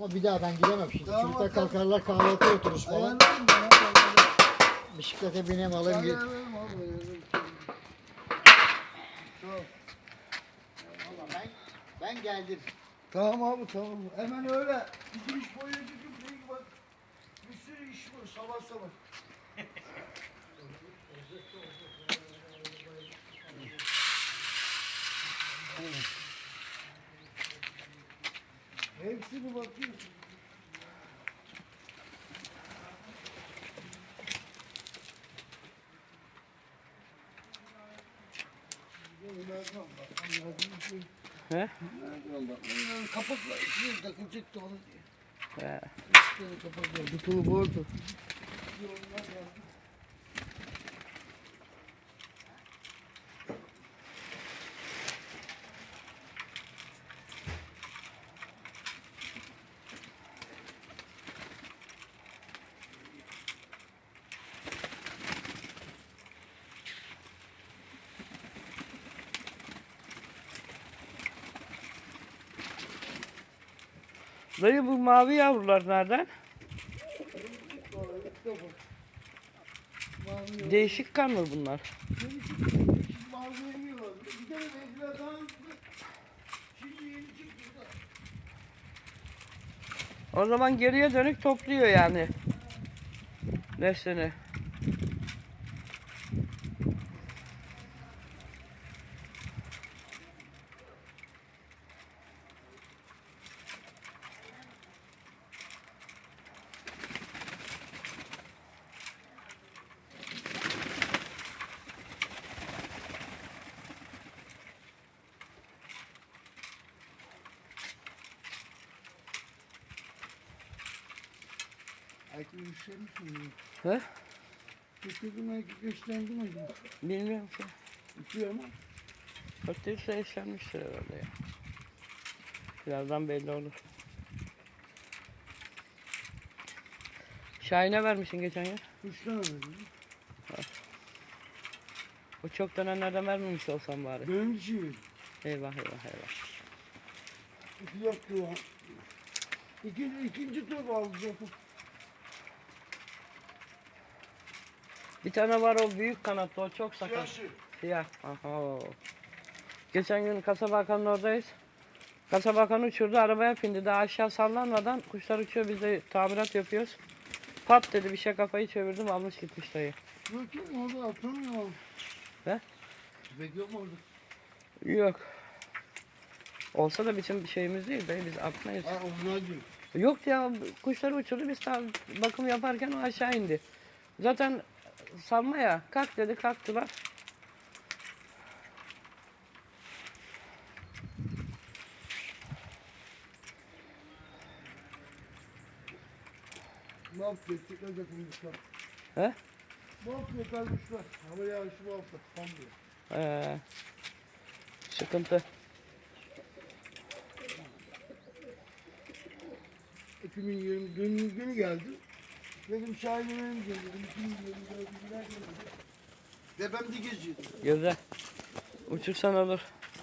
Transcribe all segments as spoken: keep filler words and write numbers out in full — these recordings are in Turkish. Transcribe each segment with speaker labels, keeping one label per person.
Speaker 1: Ama bir daha ben gidemem şimdi.
Speaker 2: Tamam,
Speaker 1: Çocuklar
Speaker 2: bakalım.
Speaker 1: kalkarlar kahvaltı otururuz falan.
Speaker 2: Ayarlarım ben abi. ayarlarım.
Speaker 1: Bisiklete bineyim alayım. gel-
Speaker 2: Ayarlarım abi. ayarlarım. Tamam.
Speaker 1: Valla ben, ben geldim.
Speaker 2: Tamam abi tamam. Hemen öyle. Bizim iş boyunca değil bak. Bir sürü iş var sabah sabah. Hepsini bakıyorsun.
Speaker 3: He?
Speaker 2: Nereden bakmayın? Kapakla içine takılacaktı onu diye.
Speaker 3: He.
Speaker 2: İşte kapakla. Butulu bu arada.
Speaker 3: Dayı bu mavi yavrular nereden? Değişik kan mı bunlar?
Speaker 2: Mavi yemiyorlar. Bir tane renkler daha hızlı. Şimdi yeni çıktı da.
Speaker 3: O zaman geriye dönük topluyor yani neslini.
Speaker 2: Erkek güçlenmiş mi?
Speaker 3: He?
Speaker 2: Getirdim erkek güçlendi mi?
Speaker 3: Bilmiyorum ki.
Speaker 2: Uçuyor ama.
Speaker 3: Öteyse eşlenmiştir herhalde ya. Birazdan belli olur. Şahin'e vermişsin geçen yıl.
Speaker 2: Güçlenemedi.
Speaker 3: O çok dönenlerden vermemiş olsam bari.
Speaker 2: Benim için.
Speaker 3: Eyvah eyvah eyvah.
Speaker 2: İki yaptı ya. İkinci, ikinci tur alacak.
Speaker 3: Bir tane var o büyük kanatlı, o çok sakat.
Speaker 2: Siyasi.
Speaker 3: Siyah. Aha. Geçen gün Kasaba Hakan'ın oradayız. Kasaba Hakan uçurdu, arabaya bindi. Daha aşağı sallanmadan kuşlar uçuyor, biz de tamirat yapıyoruz. Pat dedi, bir şey kafayı çevirdim, almış gitmiş dayı.
Speaker 2: Yok yok orada atamıyor.
Speaker 3: He?
Speaker 2: Tüfek yok mu orada?
Speaker 3: Yok. Olsa da bizim şeyimiz değil dayı, biz atmayız.
Speaker 2: Ha onlar diyor.
Speaker 3: Yok ya, kuşları uçurdu, biz tam bakım yaparken o aşağı indi. Zaten salma ya, kalk dedi, kalktılar.
Speaker 2: Bu hafta tekrar yapılmışlar.
Speaker 3: He?
Speaker 2: Bu hafta yakalmışlar. Hava yağışı bu hafta. Tam diyor.
Speaker 3: Ee, sıkıntı.
Speaker 2: iki bin yirmi dün günü geldi. Dedim Şahin'e benim dedim. iki bin yirmi dört günler geldi. Tepemde geziyordu.
Speaker 3: Güzel. Uçursan olur.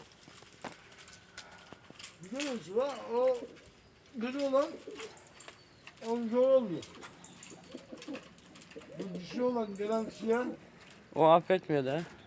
Speaker 2: Güzel olsun ha. O kötü olan onun zor oluyor. Bu dişi olan gelen siyah
Speaker 3: O affetmiyor da.